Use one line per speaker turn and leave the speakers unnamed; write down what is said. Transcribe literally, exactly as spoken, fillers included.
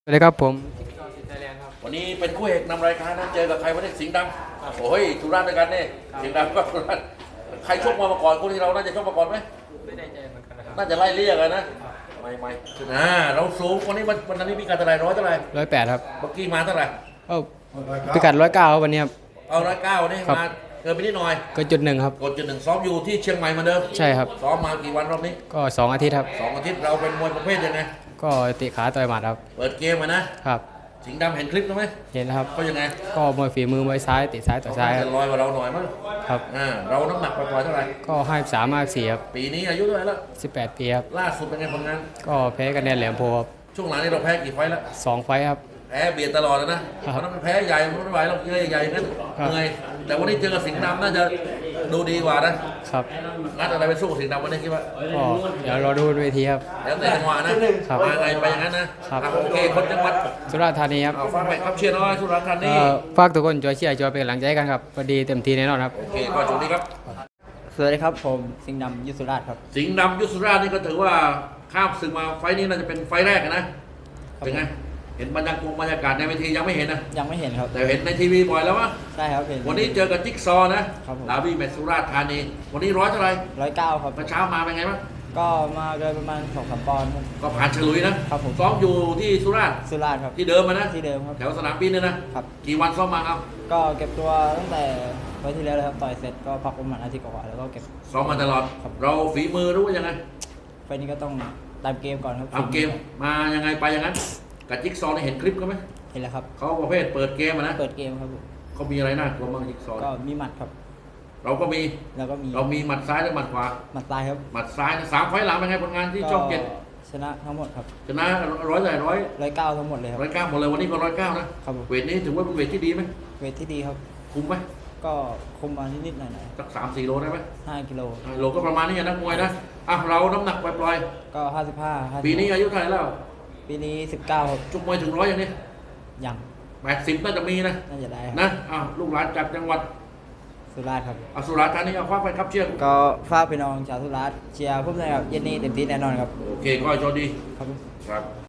สวัสดีครับผม
วันนี้เป็นคู่เอกนำรายการนะเจอกับใครวันนี้สิงห์ดำโอ้ยสุราษฎร์ด้วยกันนี่สิงห์ดำก็สุราษฎร์ใครชกมามาก่อนคู่ที่เราน่าจะชกมาก่อนไหม
ไม่ได้ใจเหมือนกันนะครับ
น่าจะไล่เรียกกันนะไม่ไม่อ่าเราสูงวันนี้วันวันนี้มีการเท่าไหร่ร้อยเท่าไหร่
ร้อยแปดครับ
เมื่อกี้มาเท่าไหร่
เอ้าพิกัดร้อยเก้าวันนี้ครับ
เอาร้อยเก้านี่มาเกินไปนิดหน่อย
ก็จุดหนึ่งครับ
กดจุดหนึ่งซ้อมอยู่ที่เชียงใหม่เหมือนเดิม
ใช่ครับ
ซ้อมมากี่วันรอบนี้
ก็สองอาทิตย์ครับ
สองอาทิตย์เราเป็นมวยประเภทยังไง
ก็ติขาต่อยหมัดครับ
เปิดเกมมานะครับสิงห์ดำเห็นคลิปไหม
เห็นแล้วครับ
เขายังไง
ก็มวยฝีมือมวยซ้ายติซ้ายต่อซ้าย
จะลอยกว่าเราหน่อยมั้ง
ครับ
อ่าเราน้ำหนักปล่อยๆเท่าไหร่
ก็ห้าสิบสามห้าสิบสี่ครับ
ปีนี้อายุเท่าไหร่แล้ว
สิบแปดปีครับ
ล่าสุดเป็นไงผลงาน
ก็แพ้กันแนนแหลมโพครับ
ช่วงหลังนี้เราแพ้กี่ไฟแล้ว
สองไฟครับ
แพ้เบียดตลอดเลยนะเพราะนั้นแพ้ใหญ่ไม่ไหวเราเยอะใหญ่งั้นเหนื่อยแต่วันนี้เจอกับสิงห์ดำน่าจะดูดีกว่านะครับงัดอะไรไปสู้สิงห์ดำวันนี้คิดว่า
ก็เดี๋ยวรอดูเวทีครับ
แล้วแต่จังหวะนะครับมาไงไปอย่างนั้นนะครับโอเคคนจังหวัด
สุราษฎร์ธานีครับ
เอาฟังไปครับเชียร์น้อยสุราษฎร์ธานี
ฝากทุกคนช่วยเชียร์ช่วยเป็นกำลังใจกันครับพอดีเต็มที่แน่นอนครับ
โอเคก็โชคดีครับ
สวัสดีครับผมสิงห์ดำยุทธสุราษฎร์ครับ
สิงห์ดำยุทธสุราษฎร์นี่ก็ถือว่าข้ามศึกมาไฟนี้น่าจะเป็นไฟแรกนะเป็นไงเห็นบรรยากาศบรรยากาศในเวทียังไม่เห็นนะ
ยังไม่เห็นครับ
แต่เห็นในทีวีบ่อยแล้ววะ
ใช่ครับเห็น
วันนี้เจอกับจิ๊กซอนะครับดาบี้แมตช์สุราษฎร์ธานีวันนี้ร้อยเท่าไหร่
ร้อยเก้าครับ
เมื่อเช้ามาเป็นไงบ้าง
ก็มาเกินประมาณสองสามปอนด์
ก็ผ่านฉลุยนะครับ
ผม
ซ้อมอยู่ที่สุราษฎร์
สุราษฎร์ครับ
ที่เดิมมานะ
ที่เดิมครับ
แถวสนามบินเนี่ยนะครับกี่วันซ้อมมาครับ
ก็เก็บตัวตั้งแต่ไว้ที่แล้วเลยครับต่อยเสร็จก็พักประมาณอาทิตย์กว่าแล้วก็เก็บ
ซ้อมมาตลอดเราฝีมือรู้ว่ายังไง
ไฟนี้ก็ต้องตามเกมก่อนครับ
ตามเกมมายังไงไปอย่างนั้นกับจิ๊กซอนี่เห็นคลิปเขาไหม
เห็นแล้วครับ
เขาประเภทเปิดเกมนะ
เปิดเกมครับ
เขามีอะไรน่ากลัวบ้างจิ๊กซอ
ก็มีหมัดครับ
เราก็มี
แล้วก็มี
เรามีหมัดซ้ายหรือหมัดขวา
หมัดซ้ายครับ
หมัดซ้ายสามไฟหลังเป็นไงผลงานที่ช่องเจ็ด
ชนะทั้งหมดครับ
ชนะร้อยใหญ่ร้อย
ร้อยเก้าทั้งหมดเลยครับ
ร้อยเก้าหมดเลยวันนี้ก็ร้อยเก้านะครับเวทนี้ถือว่าเป็นเวทที่ดีไหม
เวทที่ดีครับ
คุมไหม
ก็คุมมานิดๆหน่อย
ๆสักสามสี่โลได้ไหม
ห้ากิโล
โลก็ประมาณนี้นักมวยนะอ่ะเราน้ำหนักปล่อย
ๆก็ห้าสิบห้า
ปีนี้อายุเท่าไหร่แล้ว
ปีนี้สิบเก้าครับ
จุกมวยถึงร้อยอย่างนี้
ยัง
แปดสิบน่าจะมีนะ
น่าจะได้
นะอ้าวลูกหลานจากจังหวัด
สุราษฎร์ครับ
อสุราษฎร์ธานีเอาคว้าไปครับเชียร์
ก็ฝากพี่น้องชาวสุราษฎร์เชียร์พวกเราครับเย็นนี้เต็มที่แน่นอนครับ
โอเคก็โชคดี
ครับ
ครับ